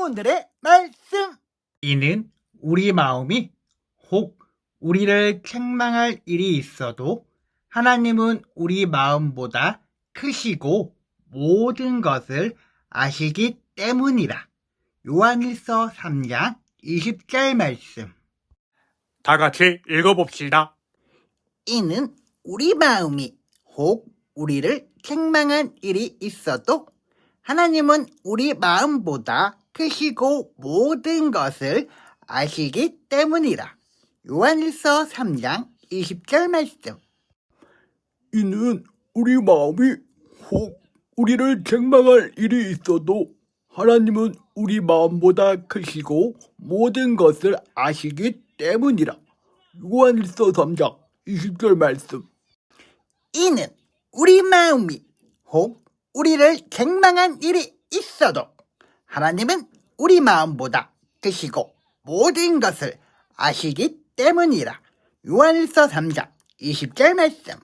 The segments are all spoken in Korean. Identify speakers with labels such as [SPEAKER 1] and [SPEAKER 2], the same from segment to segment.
[SPEAKER 1] 오늘의 말씀.
[SPEAKER 2] 이는 우리 마음이 혹 우리를 책망할 일이 있어도 하나님은 우리 마음보다 크시고 모든 것을 아시기 때문이라. 요한일서 3장 20절 말씀.
[SPEAKER 3] 다 같이 읽어봅시다.
[SPEAKER 1] 이는 우리 마음이 혹 우리를 책망한 일이 있어도 하나님은 우리 마음보다 크시고 모든 것을 아시기 때문이라. 요한일서 3장 20절 말씀.
[SPEAKER 4] 이는 우리 마음이 혹 우리를 책망할 일이 있어도 하나님은 우리 마음보다 크시고 모든 것을 아시기 때문이라. 요한일서 3장 20절 말씀.
[SPEAKER 1] 이는 우리 마음이 혹 우리를 책망한 일이 있어도 하나님은 우리 마음보다 크시고 모든 것을 아시기 때문이라. 요한일서 3장 20절 말씀.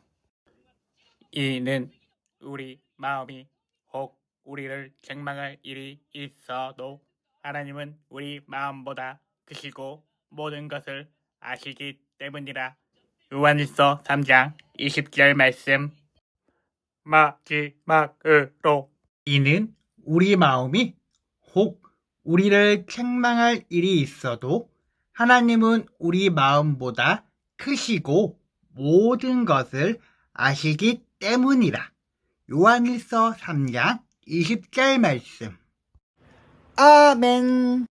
[SPEAKER 3] 이는 우리 마음이 혹 우리를 책망할 일이 있어도 하나님은 우리 마음보다 크시고 모든 것을 아시기 때문이라. 요한일서 3장 20절 말씀. 마지막으로
[SPEAKER 2] 이는 우리 마음이 혹 우리를 책망할 일이 있어도 하나님은 우리 마음보다 크시고 모든 것을 아시기 때문이라. 요한일서 3장 20절 말씀.
[SPEAKER 1] 아멘.